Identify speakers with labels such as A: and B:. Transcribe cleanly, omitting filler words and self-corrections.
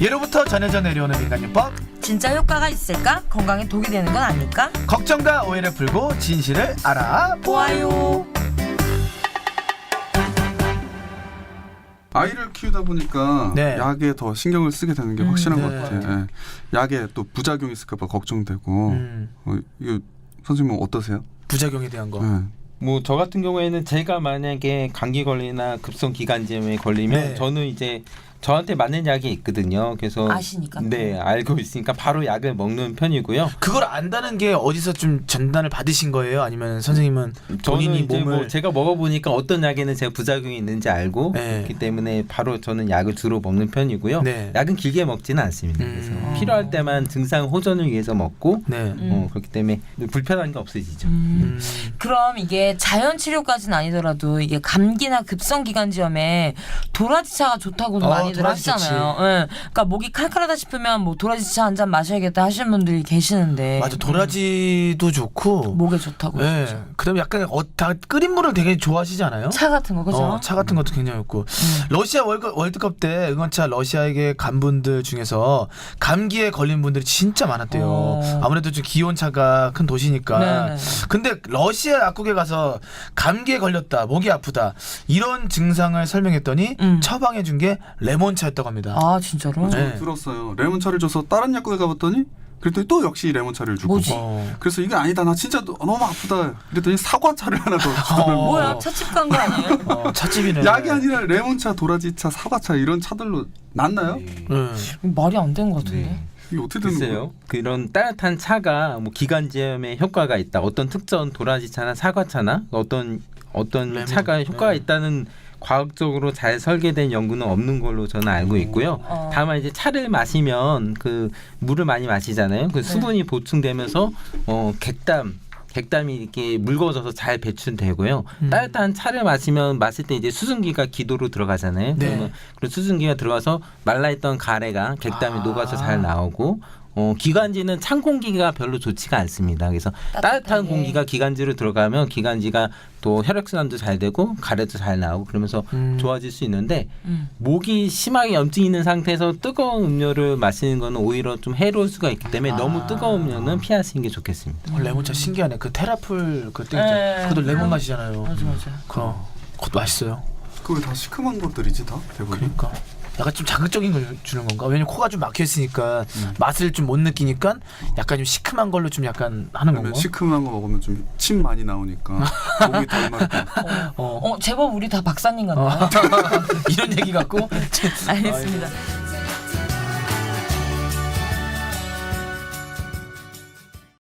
A: 예로부터 전해져 내려오는 민간요법.
B: 진짜 효과가 있을까? 건강에 독이 되는 건 아닐까?
A: 걱정과 오해를 풀고 진실을 알아보아요.
C: 아이를 키우다 보니까
A: 네.
C: 약에 더 신경을 쓰게 되는 게 확실한
A: 네.
C: 것 같아요. 예. 약에 또 부작용이 있을까 봐 걱정되고. 이거 선생님은 어떠세요?
A: 부작용에 대한 거.
C: 예.
D: 뭐 저 같은 경우에는 제가 만약에 감기 걸리나 급성 기관지염에 걸리면
A: 네.
D: 저는 이제 저한테 맞는 약이 있거든요. 그래서
B: 아시니까.
D: 네, 알고 있으니까 바로 약을 먹는 편이고요.
A: 그걸 안다는 게 어디서 좀 전단을 받으신 거예요? 아니면 선생님은
D: 저는
A: 본인이
D: 이제
A: 몸을
D: 뭐 제가 먹어보니까 어떤 약에는 제가 부작용이 있는지 알고
A: 네.
D: 그렇기 때문에 바로 저는 약을 주로 먹는 편이고요.
A: 네.
D: 약은 길게 먹지는 않습니다. 그래서 필요할 때만 증상 호전을 위해서 먹고
A: 네.
D: 그렇기 때문에 불편한 게 없어지죠.
B: 그럼 이게 자연 치료까지는 아니더라도 이게 감기나 급성 기관지염에 도라지차가 좋다고도 많이들
A: 도라지
B: 하시잖아요. 예. 그러니까 목이 칼칼하다 싶으면 뭐 도라지차 한 잔 마셔야겠다 하시는 분들이 계시는데.
A: 맞아, 도라지도 좋고.
B: 목에 좋다고.
A: 네. 그다음에 약간 다 끓인 물을 되게 좋아하시지 않아요?
B: 차 같은 거 그죠?
A: 차 같은 것도 굉장히 좋고. 러시아 월드컵 때 응원차 러시아에게 간 분들 중에서 감기에 걸린 분들이 진짜 많았대요. 아무래도 좀 기온차가 큰 도시니까.
B: 네네.
A: 근데 러시아 약국에 가서 감기에 걸렸다, 목이 아프다 이런 증상을 설명했더니 처방해 준 게 레몬차였다고 합니다.
B: 아 진짜로?
C: 저도
A: 네.
C: 들었어요. 레몬차를 줘서 다른 약국에 가봤더니 그랬더니 또 역시 레몬차를 주고.
B: 뭐지?
C: 그래서 이게 아니다. 나 진짜 너무 아프다. 그랬더니 사과차를 하나 더 주더라고요.
B: 뭐야 찻집 간 거 아니에요?
A: 찻집이네.
C: 약이 아니라 레몬차, 도라지차, 사과차 이런 차들로 낫나요?
B: 말이 안 되는 것 같은데.
C: 이게 어떻게 되는 거예요?
D: 글쎄요. 그런 따뜻한 차가 뭐 기관지염에 효과가 있다. 어떤 특정 도라지차나 사과차나 어떤
A: 레몬.
D: 차가 효과가 있다는 과학적으로 잘 설계된 연구는 없는 걸로 저는 알고 있고요. 다만 이제 차를 마시면 그 물을 많이 마시잖아요. 그 수분이 보충되면서 객담이 이렇게 묽어져서 잘 배출되고요. 따뜻한 차를 마실 때 이제 수증기가 기도로 들어가잖아요.
A: 네.
D: 그러면 그 수증기가 들어가서 말라있던 가래가 객담이 녹아서 잘 나오고 기관지는 찬 공기가 별로 좋지가 않습니다. 그래서 따뜻한 공기가 기관지로 들어가면 기관지가 또 혈액순환도 잘 되고 가래도 잘 나오고 그러면서 좋아질 수 있는데 목이 심하게 염증이 있는 상태에서 뜨거운 음료를 마시는 거는 오히려 좀 해로울 수가 있기 때문에 너무 뜨거운 음료는 피하시는 게 좋겠습니다.
A: 레몬차 신기하네. 그 테라풀 그때
B: 네.
A: 그것도 레몬 맛이잖아요.
B: 맞아.
A: 그것도 맛있어요.
C: 그거 다 시큼한 것들이지 다 대부분.
A: 그러니까 약간 좀 자극적인 걸 주는 건가? 왜냐면 코가 좀 막혀 있으니까 맛을 좀 못 느끼니까 약간 좀 시큼한 걸로 좀 약간 하는
C: 그러면
A: 건가?
C: 시큼한 거 먹으면 좀 침 많이 나오니까 목이 덜 마르고.
B: 제법 우리 다 박사님 같나요?
A: 이런 얘기 같고
B: 알겠습니다.